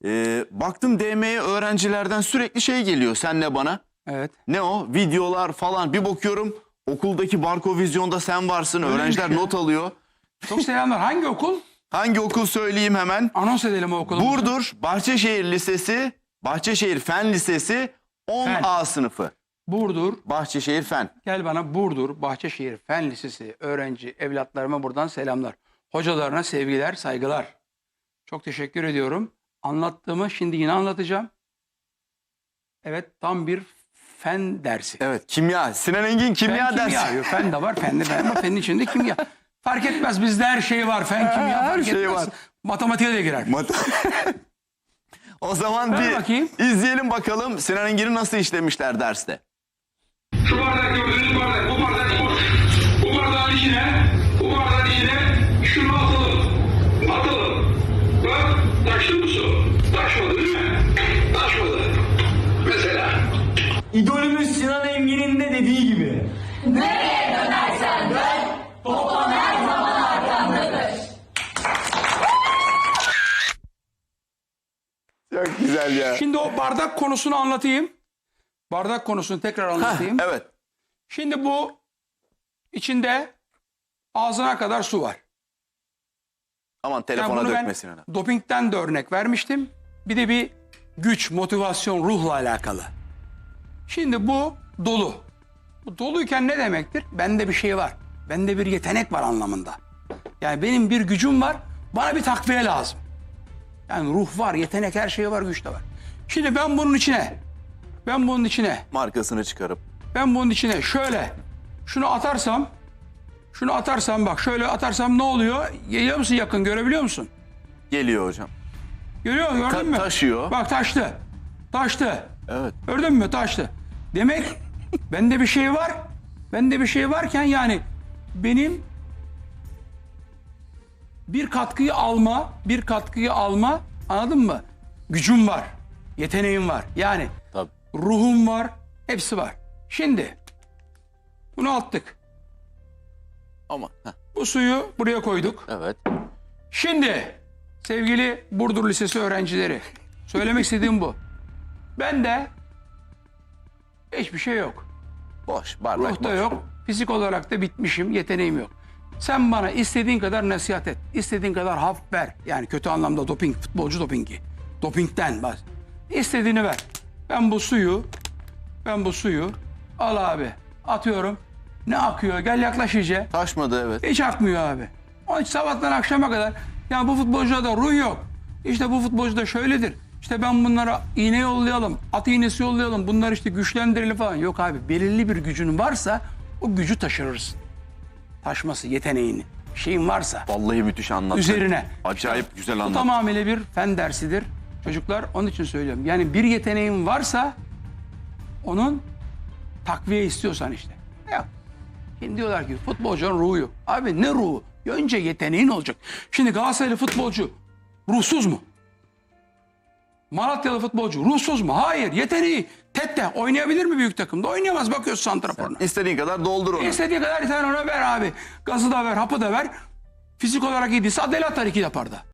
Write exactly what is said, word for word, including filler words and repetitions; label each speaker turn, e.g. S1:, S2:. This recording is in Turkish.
S1: Ee, baktım D M'ye öğrencilerden sürekli şey geliyor senle bana.
S2: Evet.
S1: Ne o? Videolar falan. Bir bakıyorum okuldaki Barko Vizyon'da sen varsın.
S2: Öyle
S1: Öğrenciler
S2: bir şey.
S1: not alıyor.
S2: Çok selamlar. Hangi okul?
S1: Hangi okul söyleyeyim hemen.
S2: Anons edelim o okulu.
S1: Burdur Bahçeşehir Lisesi, Bahçeşehir Fen Lisesi on A sınıfı.
S2: Burdur.
S1: Bahçeşehir Fen.
S2: Gel bana Burdur Bahçeşehir Fen Lisesi öğrenci evlatlarıma buradan selamlar. Hocalarına sevgiler, saygılar. Çok teşekkür ediyorum. Anlattığımı şimdi yine anlatacağım. Evet, tam bir fen dersi.
S1: Evet, kimya. Sinan Engin kimya
S2: fen,
S1: dersi.
S2: kimya. Fen de var, fen de var ama fenin içinde kimya. Fark etmez, bizde her şey var. Fen, kimya
S1: Her
S2: fark
S1: şey
S2: etmez.
S1: var.
S2: Matematiğe de girer.
S1: O zaman
S2: Ver
S1: bir
S2: bakayım.
S1: izleyelim bakalım Sinan Engin'i nasıl işlemişler derste.
S3: Şu bardak gördüğünüz bardak, bu bardak boş. Bu bardağın içine, bu bardağın içine şunu atalım. Atalım. Bak, taştı mı su? Taşmadı değil mi? Taşmadı. Mesela.
S4: İdolümüz Sinan Engin'in de dediği gibi.
S5: Nereye dönersen dön, toplam her zaman arkandadır.
S1: Çok güzel ya.
S2: Şimdi o bardak konusunu anlatayım. Bardak konusunu tekrar anlatayım.
S1: Evet.
S2: Şimdi bu içinde ağzına kadar su var.
S1: Aman
S2: Yani
S1: telefona
S2: bunu
S1: dökme
S2: ben
S1: Sinan'a.
S2: dopingten de örnek vermiştim. Bir de bir güç, motivasyon, ruhla alakalı. Şimdi bu dolu. Bu doluyken ne demektir? Bende bir şey var. Bende bir yetenek var anlamında. Yani benim bir gücüm var. Bana bir takviye lazım. Yani ruh var, yetenek, her şey var, güç de var. Şimdi ben bunun içine, ben bunun içine,
S1: Markasını çıkarıp.
S2: ben bunun içine şöyle şunu atarsam, şunu atarsam bak şöyle atarsam ne oluyor? Geliyor musun yakın, görebiliyor musun?
S1: Geliyor hocam.
S2: Görüyor musun, gördün
S1: Ta-
S2: mü?
S1: taşıyor.
S2: Bak taştı, taştı.
S1: Evet.
S2: Gördün mü, taştı. Demek bende bir şey var, bende bir şey varken yani benim bir katkıyı alma, bir katkıyı alma, anladın mı? Gücüm var, yeteneğim var. Yani
S1: Tabii.
S2: ruhum var, hepsi var. Şimdi bunu attık.
S1: Ama heh,
S2: Bu suyu buraya koyduk.
S1: evet.
S2: Şimdi sevgili Burdur Lisesi öğrencileri, söylemek istediğim bu. Ben de hiçbir şey yok.
S1: Boş. Bardak
S2: Ruhta
S1: boş.
S2: yok. Fizik olarak da bitmişim, yeteneğim yok. Sen bana istediğin kadar nasihat et. İstediğin kadar haf ver. Yani kötü anlamda doping, futbolcu dopingi. Dopingten bas. İstediğini ver. Ben bu suyu, ben bu suyu al abi. Atıyorum. Ne akıyor? Gel yaklaş iyice.
S1: Taşmadı evet.
S2: Hiç akmıyor abi. Onun için sabahtan akşama kadar ya bu futbolcuda da ruh yok. İşte bu futbolcu da şöyledir. İşte ben bunlara iğne yollayalım, at iğnesi yollayalım, bunları işte güçlendirelim falan. Yok abi, belirli bir gücün varsa o gücü taşırırsın. Taşması, yeteneğini, şeyin varsa
S1: Vallahi müthiş anlattın.
S2: üzerine.
S1: Acayip güzel
S2: Bu
S1: anlattın.
S2: tamamıyla bir fen dersidir. Çocuklar onun için söylüyorum. Yani bir yeteneğin varsa onun takviye istiyorsan işte. Yok. Şimdi diyorlar ki futbolcunun ruhu yok. Abi ne ruhu? Önce yeteneğin olacak. Şimdi Galatasaraylı futbolcu ruhsuz mu? Malatyalı futbolcu ruhsuz mu? Hayır. Yeteneği. Tette oynayabilir mi büyük takımda? Oynayamaz. Bakıyorsun santraforuna.
S1: İstediğin kadar doldur onu.
S2: İstediği kadar sen ona ver abi. Gazı da ver, hapı da ver. Fizik olarak iyi değilse Adel atar iki yaparda.